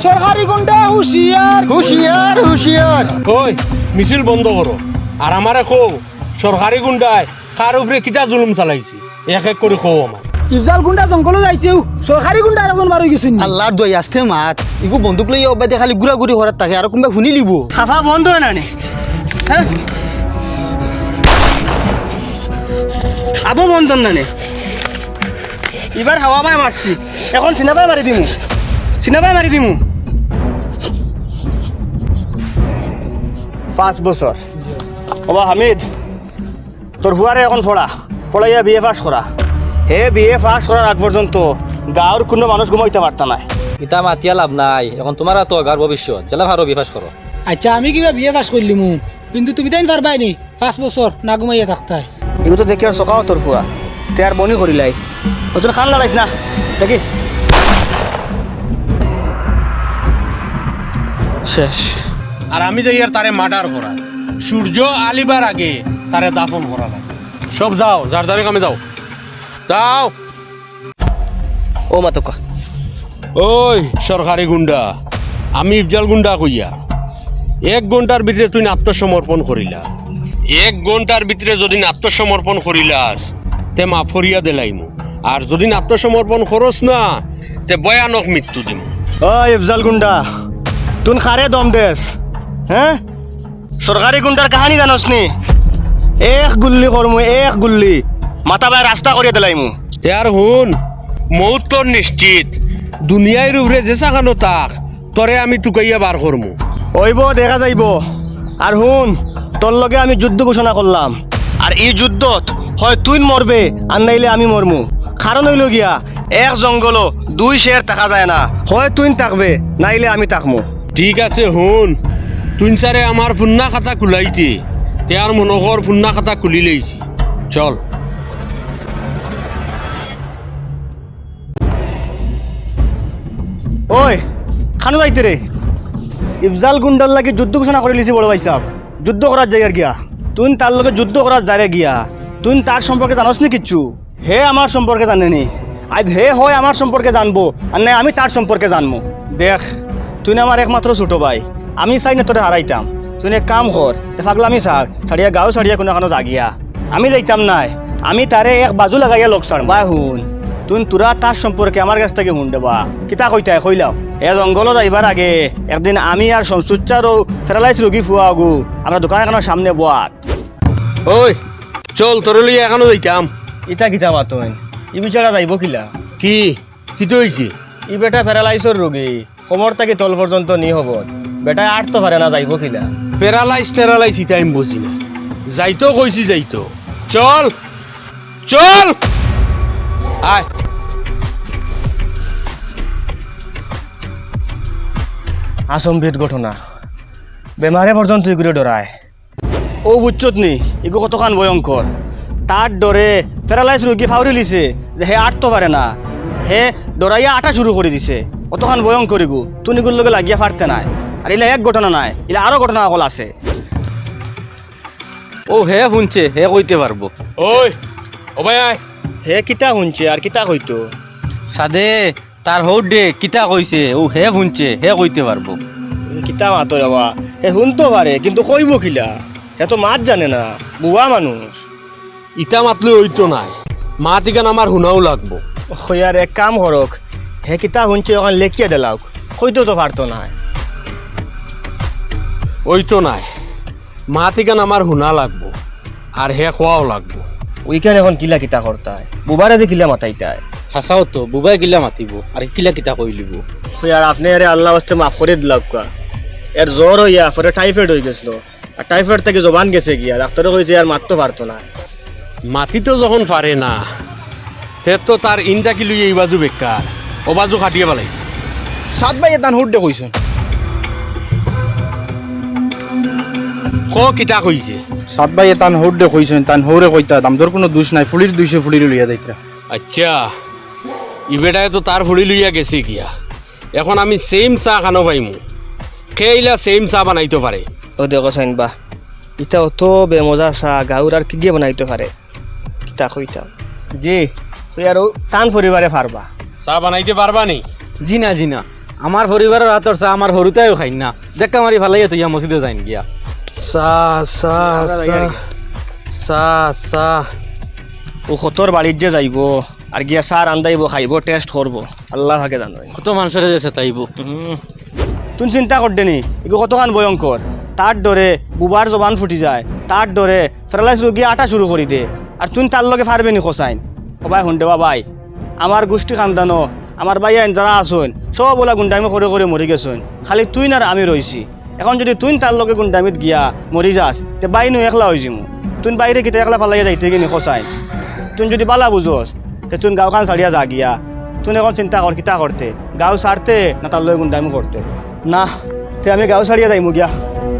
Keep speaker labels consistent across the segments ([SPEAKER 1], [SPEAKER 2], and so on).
[SPEAKER 1] সরকারি গুন্ডা হুঁশিয়ার
[SPEAKER 2] হুঁশিয়ার হুঁশিয়ার।
[SPEAKER 3] ওই মিছিল বন্ধ করো আর আমারে খো সরকারি গুন্ডায় কার উপরে কিটা জুলুম চালাইছি এক এক করে খো আমার।
[SPEAKER 1] ইফজাল গুন্ডা জঙ্গলে যাইতেও সরকারি গুন্ডা একজন বার হয়ে গেছেন।
[SPEAKER 2] আল্লাহর দই আসতে মাত ইগু বন্দুক লই অবাদে খালি গুড়া গুড়ি হরাত থাকে আর কোনবা শুনি লিব খাফা বন্ধ হয় না নে হ্যাঁ আবো বন্ধ না নে এবার হাওয়া বাই মারছি এখন সিনাবাই মারি দিমু সিনাবাই মারি দিমু 5 বছর ওবা হামিদ তোর হুয়ারে এখন ফড়াইয়া বিয়ে পাস করা হে বিয়ে পাস করার আগ পর্যন্ত গাঁৱৰ কোনো মানুষ ঘুমাইতে পারতা নাই
[SPEAKER 4] ইতা মাতিয়া লাভ নাই এখন তোমার তো গার ভবিষ্যৎ জেলা ভারো বিফাস করো।
[SPEAKER 1] আচ্ছা আমি কিবা বিয়ে পাস করলিমু কিন্তু তুমি তাই পারবাই নি 5 বছর না ঘুমাইয়া থাকতাই।
[SPEAKER 2] এগুলো তো দেখি আর চকাও তোর ফুয়া তে আর বনি করিলাই ও তোর খান লাগাইছ না দেখি শেষ।
[SPEAKER 3] আর আমি যাই আর তারে মার্ডার করা সূর্য আলিবার আগে তারে দাফন করা লাগে। সব যাও যার যারে কামে যাও যাও।
[SPEAKER 2] ও মাতকা
[SPEAKER 3] ওই সরকারি গুন্ডা আমি ইফজাল গুন্ডা কইয়া 1 ঘন্টার ভিতরে তুই আত্মসমর্পণ করিলা 1 ঘন্টার ভিতরে যদি আত্মসমর্পণ করিলাস তে মাফ করিয়া দিলাইমু আর যদি আত্মসমর্পণ করস না তে ভয়ানক মৃত্যু দিমু।
[SPEAKER 2] ও ইফজাল গুন্ডা তুন খারে দম দেস হ্যাঁ সরকারি গুন্ডার কাহানি জানস নি এক গুল্লি করমু এক গুল্লি মাথা বাই রাস্তা করিয়া দিলাইমু
[SPEAKER 3] তে আর হুন মৌত তোর নিশ্চিত দুনিয়ার উপরে যে সাকানো তাক তরে আমি টুকাইয়া বার করমু।
[SPEAKER 2] ওইব দেখা যাইব আর হুন তোর লগে আমি যুদ্ধ ঘোষণা করলাম আর এই যুদ্ধত হয় তুই মরবে আর নাইলে আমি মরমু কারণ হইল গিয়া এক জঙ্গল 2 শের থাকা যায় না হয় তুই থাকবে নাইলে আমি থাকমু।
[SPEAKER 3] ঠিক আছে হুন তুই চারে আমার ফুন্না খাতা খুলাইতে তে আর মনোহর ফুন্না খাতা খুলি লইছি চল।
[SPEAKER 2] ওই খানু যাইতে রে ইফজাল গুন্ডার লাগে যুদ্ধ ঘোষণা করে লিছি বড় ভাই সাহেব যুদ্ধ করার জায়গার গিয়া তুই তার লগে যুদ্ধ করার জায়গা গিয়া তুই তার সম্পর্কে জানোস নি কিচ্ছু হে আমার সম্পর্কে জানেনি আজ হে হয় আমার সম্পর্কে জানবো আর নাই আমি তার সম্পর্কে জানবো। দেখ তুই আমার একমাত্র ছোট ভাই আমি চাই না তোরে হারাইতাম তুই এক কাম কর ফাগলা আমি ছাড়িয়া গাঁও ছাড়িয়া কোনো এখনো জাগিয়া আমি যাইতাম নাই আমি তারে এক বাজু লাগাইয়া লোক ছাড় বা হুন তুই তোরা তার সম্পর্কে আমার কাছ থেকে শুন দেবা কিতা কইতাই কইলাও এ জঙ্গলত যাইবার আগে একদিন আমি আর শমসুচ্চার ও প্যারালাইজ রোগী ফুয়া আগু আমরা দোকান এখানোর সামনে বাত
[SPEAKER 3] ওই চল তোর লইয়া এখনো যাইতাম।
[SPEAKER 2] ইটা কিতা মাতন ই বিচারা যাইব কিলা
[SPEAKER 3] কি কি তো হয়েছে
[SPEAKER 2] ই বেটা প্যারালাইজর রোগী কোমর থেকে তল পর্যন্ত নি হব বেটা আর তো পারে না যাইব কিলা
[SPEAKER 3] প্যারালাইজ ইটা আমি বুঝি না যাইতো কইছি যাইতো চল চল আয়।
[SPEAKER 2] আসম্বিত ঘটনা বেমারে পর্যন্ত এগুলো ডরায় ও বুঝছত নি এগু কতখান ভয়ঙ্কর তার ডরে প্যারালাইজ রোগী ফাউরি লিছে যে হে আটতে পারে না হে ডরাইয়া আটা শুরু করে দিছে কতখান ভয়ঙ্কর এগু তুই এগুলোর লগে লাগিয়া পারতে নাই আর এলা এক ঘটনা নাই এলা আরো ঘটনা অকল আছে।
[SPEAKER 4] ও হে শুনছে হে কইতে পারবো।
[SPEAKER 3] ওই ও ভাই আয়
[SPEAKER 2] হে কিতা শুনছে আর কিতা কইতো
[SPEAKER 4] সাদে তার হৌ দে কিতা কইছে ও হে শুনছে হে কইতে পারবো।
[SPEAKER 2] কিতা মাতো বাবা হে শুনতে পারে কিন্তু কইব কিলা হে তো মাত জানে না বুয়া মানুষ
[SPEAKER 3] ইটা মাতলে হইতো নাই মা তিকান আমার শুনাও লাগবো।
[SPEAKER 2] আর এক কাম করক হে কিতা শুনছে ওখান লেখিয়া দিলাওক কইতেও তো পারতো না
[SPEAKER 3] ওইতো নাই মা তিকান আমার শুনা লাগবো আর হে খোয়াও লাগবো।
[SPEAKER 2] ওইখানে এখন কিলা কিতা করতায় বুবারে যে কিলা মাতাইতায়
[SPEAKER 4] হাসাও তো বুবাই গিলা মাতিব আর কিলা কিতা কইলিব।
[SPEAKER 2] আর আপনি আরে আল্লাহ আস্তে মাফ করে দিলাম কা এর জ্বর হইয়া পরে টাইফয়েড হয়ে গেছিল আর টাইফয়েড থেকে জবান গেছে গিয়া ডাক্তারে কইছে আর মারতে পারতো না।
[SPEAKER 3] মাতি তো যখন পারে না তে তো তার ইনটা কি লইয়া এই বাজু বেকার ও বাজু খাটিয়ে পেলাই।
[SPEAKER 1] 7 ভাই এতান হুড্ডে কইছেন
[SPEAKER 3] ক কিতা কইছে
[SPEAKER 5] 7 ভাই তান হৌডে কইছেন তান হৌরে কইতা দামদর কোনো দোষ নাই ফুলির 200 ফুলির লইয়া যাইতা।
[SPEAKER 3] আচ্ছা ইবেটায় তো তার ফুড়ি লইয়া গেছে গিয়া এখন আমি সেম চা খানো পাইমু খেইলা সেম চা বানাইতে পারে।
[SPEAKER 2] ও দেখো সাইন বা ইটা অত বেমজা চা গাঁর আর কি দিয়ে বানাইতে পারে কিতা কইতাম জি তুই আর টান পরিবারে পারবা
[SPEAKER 3] চা বানাইতে পারবা নি?
[SPEAKER 4] জি না আমার পরিবারের হাতর চা আমার হরুতাইও খাই না দেখা মারি ভালাই তুই মসজিদে যাইন গিয়া
[SPEAKER 3] চা চা চা চা চা
[SPEAKER 2] ও খতর বাড়ির যে যাইব আর গিয়া সার আন্দাইব খাইব টেস্ট করব আল্লাহ ভাগে জানো
[SPEAKER 4] কত মানুষের যেছে তাইব
[SPEAKER 2] তুই চিন্তা করতে নি এগুলো কতখান ভয়ঙ্কর তার ডরে বুবার জবান ফুটি যায় তার ডরে প্যারালাইজ রোগী আটা শুরু করি দে আর তুই তার লগে পারবে নি খসাইন সবাই শুনতে বাবাই আমার গোষ্ঠী খানদানো আমার ভাই আইন যারা আসুন সব ওলা গুন্ডামি করে করে মরি গেছুন খালি তুই না আমি রইছি এখন যদি তুই তার লগে গুন্ডামিত গিয়া মরি যাস তে বাই নো একলা হয়ে যাবো তুই বাইরে কিতে একলা ফালাইয়া যাইতে কিনি খসাইন তুই যদি বালা বুঝোস তে তুই গাঁওখান ছাড়িয়া যা গিয়া তুই এখন চিন্তা কর কিতা করতে গাঁও ছাড়তে না তার লগে গুন্ডামি করতে না তে আমি গাঁও ছাড়িয়া যাইমু গিয়া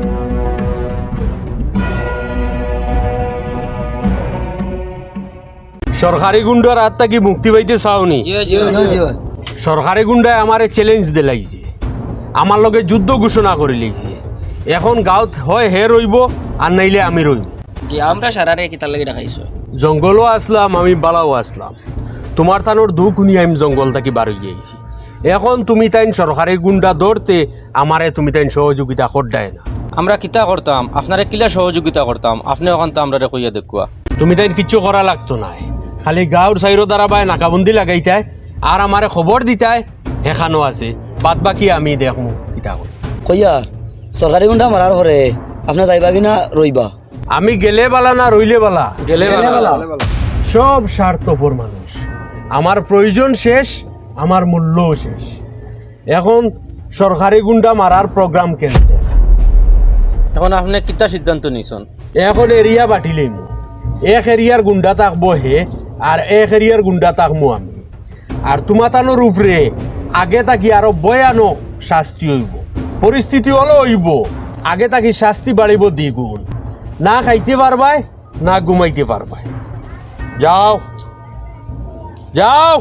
[SPEAKER 3] সরকারি গুন্ডার হাত থাকি মুক্তি পাইতে চাওনি সরকারি গুন্ডায় আমারে চ্যালেঞ্জ দিলাইছে আমার লগে যুদ্ধ ঘোষণা করে লইছে এখন গাঁত হয় হে রইব আর নাইলে আমি রইব
[SPEAKER 6] জি আমরা সারারে কিতার লাগি দেখাইছো
[SPEAKER 3] জঙ্গলও আসলাম আমি বালাও আসলাম তোমার তানোর দুঃখ নিয়ে আমি জঙ্গল থাকি বার হয়ে আইছি এখন তুমি তাইন সরকারি গুন্ডা ধরতে আমারে তুমি তাইন সহযোগিতা করডায় না
[SPEAKER 4] আমরা কিতা করতাম আপনারে কিলা সহযোগিতা করতাম আপনি ওখান তো আমরা কইয়া দেখুয়া
[SPEAKER 3] তুমি তাইন কিচ্ছু করা লাগতো না খালি গাঁর সাইরো দাঁড়াবায় নাকাবন্দি লাগাইতায় আর আমারে খবর দিতায় হেখানো আছে বাদ বাকি আমি দেখমু কিতা করি
[SPEAKER 7] কইয়ার সরকারি গুন্ডা মারার ঘরে আপনি যাইবা কিনা রইবা
[SPEAKER 3] আমি গেলে বালা না রইলে বালা
[SPEAKER 5] গেলে বালা।
[SPEAKER 3] সব স্বার্থপর মানুষ আমার প্রয়োজন শেষ আমার মূল্যও শেষ এখন সরকারি গুন্ডা মারার প্রোগ্রাম ক্যান্সেল
[SPEAKER 4] এখন আপনি কিতা সিদ্ধান্ত নিছেন
[SPEAKER 3] এখন এরিয়া বাটিলেই মু এক এরিয়ার গুন্ডা থাকবো হে আর এক এরিয়ার গুন্ডা থাকবো আমি আর তোমাতানোর উপরে আগে থাকি আরো ভয়ানক শাস্তি হইব পরিস্থিতি হলো হইব আগে থাকি শাস্তি বাড়িব দ্বিগুণ না খাইতে পারবাই না ঘুমাইতে পারবাই যাও যাও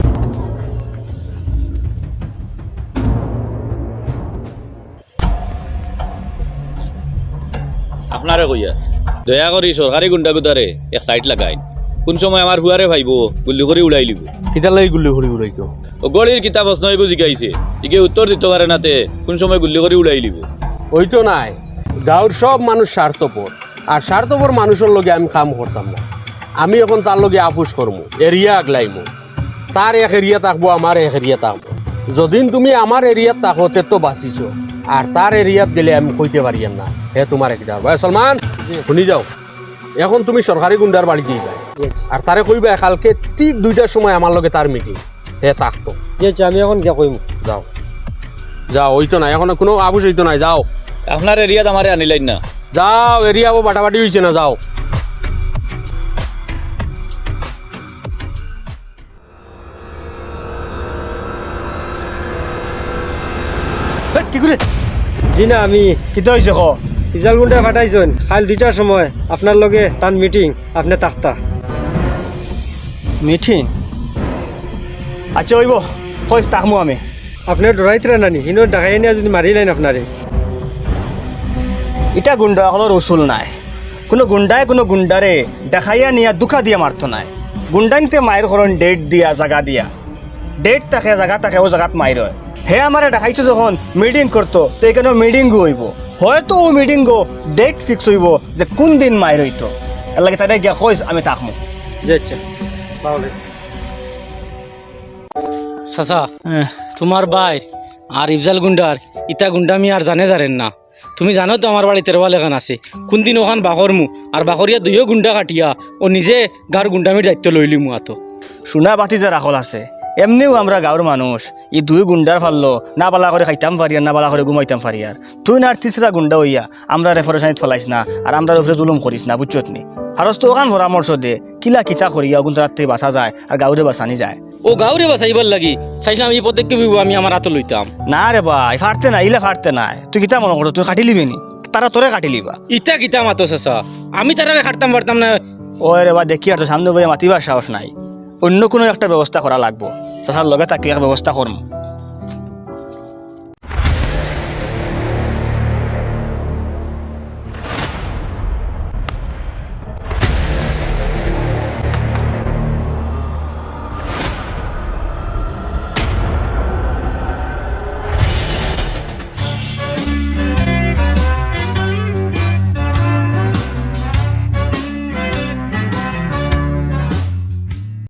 [SPEAKER 8] আপনারে কইয়া দয়া করি সরকারি গুন্ডাগুদারে এক সাইড লাগাই কোন সময় আমার হুয়ারে ভাইব গুল্লি করে উড়াই লিব
[SPEAKER 3] কিতার লাগি গুলি হরি উড়াইতো
[SPEAKER 8] ও গলির কিতাব প্রশ্ন এগো জিগাইছে ইকে উত্তর দিতে পারে নাতে কোন সময় গুল্লি করে উড়াই লিব
[SPEAKER 3] ওই তো নাই গাঁর সব মানুষ স্বার্থপর আর স্বার্থপর মানুষের লগে আমি কাম করতাম না আমি এখন তার লগে আপুস করবো এরিয়া আগলাইমু তার এক এরিয়া থাকবো আমার এক এরিয়া থাকবো যদিন তুমি আমার এরিয়াত থাকো তে তো বাঁচিছো আর তার এরিয়াত গেলে আমি কইতে পারি না হে তোমার একটা ভাই সলমান শুনি যাও এখন তুমি সরকারি গুন্ডার বাড়ি যাইবা আর তারে কইবা কালকে ঠিক 2টার সময় আমার লগে তার মিটিং হে থাকতো
[SPEAKER 2] আমি এখন গিয়া কইমু
[SPEAKER 3] যাও যাও ওই তো নাই এখন কোনো আবুস হইতো নাই যাও
[SPEAKER 8] আপনার এরিয়াত আমারে আনিলাইন না
[SPEAKER 3] যাও এরিয়া ও বাটাবাটি হয়েছে না যাও
[SPEAKER 2] কি করে জি না আমি কিতা হয়েছে ক ইজাল গুন্ডা ফাটাইছেন কাল 2টার সময় আপনার লগে তার মিটিং আপনি তাক্তা মিটিং আচ্ছা হইব কইস তাকমু আমি আপনি ডরাইতরা নানি হিনো ডাকাই নিয়ে যদি মারিলেন আপনারে এটা গুন্ডা হলো রসুল নাই কোনো গুন্ডারে দেখাইয়া নিয়া দুঃখা দিয়া মারতো নাই গুন্ডাইতে মায়ের করণ ডেট দিয়া জায়গা দিয়া ডেট থাকে জায়গা থাকে ও জায়গাত মাইর হয় হে আমারে দেখাইছে যখন মিটিং করতো তো এখানে মিটিংও হইব হয়তো ও মিটিংও ডেট ফিক্স হইব যে কোন দিন মাইর হইতো এর লাগে তাই গিয়া কইস আমি তাকমু যে আচ্ছা তাহলে
[SPEAKER 4] চাচা তোমার ভাই আর ইফজাল গুন্ডার ইটা গুন্ডামি আর জানেন না তুমি জানো তো আমার বাড়ি তেরোয়াল এখান আছে কোন দিন ওখান বাকরমু আর বাকরিয়া 2 গুন্ডা কাটিয়া ও নিজে গার গুন্ডামির দায়িত্ব লইলিমু আতো
[SPEAKER 2] সোনা বাতি যে রাখল আছে এমনিও আমরা গাঁর মানুষ ই 2 গুন্ডার ফাললো না বালা করে খাইতাম পারিয়ার না বালা করে ঘুমাইতাম পারিয়ার তুই না আর 3রা গুন্ডা হইয়া আমরা রেফারেন্স ফলাইস না আর আমরা উপরে জুলুম করিস না বুঝছত নি ফারস তো ওখান পরামর্শ দে কিলা কিতা করিয়া গুন্ডার থেকে বাঁচা যায় আর গাঁরে বাঁচানি যায়
[SPEAKER 4] ও গাউরে বাঁচাইবার লাগি চাইলাম এই পদক্ষেপ আমি আমার হাতে লইতাম
[SPEAKER 2] না রে ভাই ফাটতে না ইলা ফাটতে নাই তুই কিতা মনে করো তুই কাটি লিবি নি তারা তোরে কাটি লিবা
[SPEAKER 4] ইটা কিতা মাতো চাচা আমি তারা খাটতাম পারতাম না
[SPEAKER 2] ও রে বা দেখি আর তো সামনে বইয়া মাতিবার সাহস নাই অন্য কোনো একটা ব্যবস্থা করা লাগবো চাচার লগে তাকে এক ব্যবস্থা করম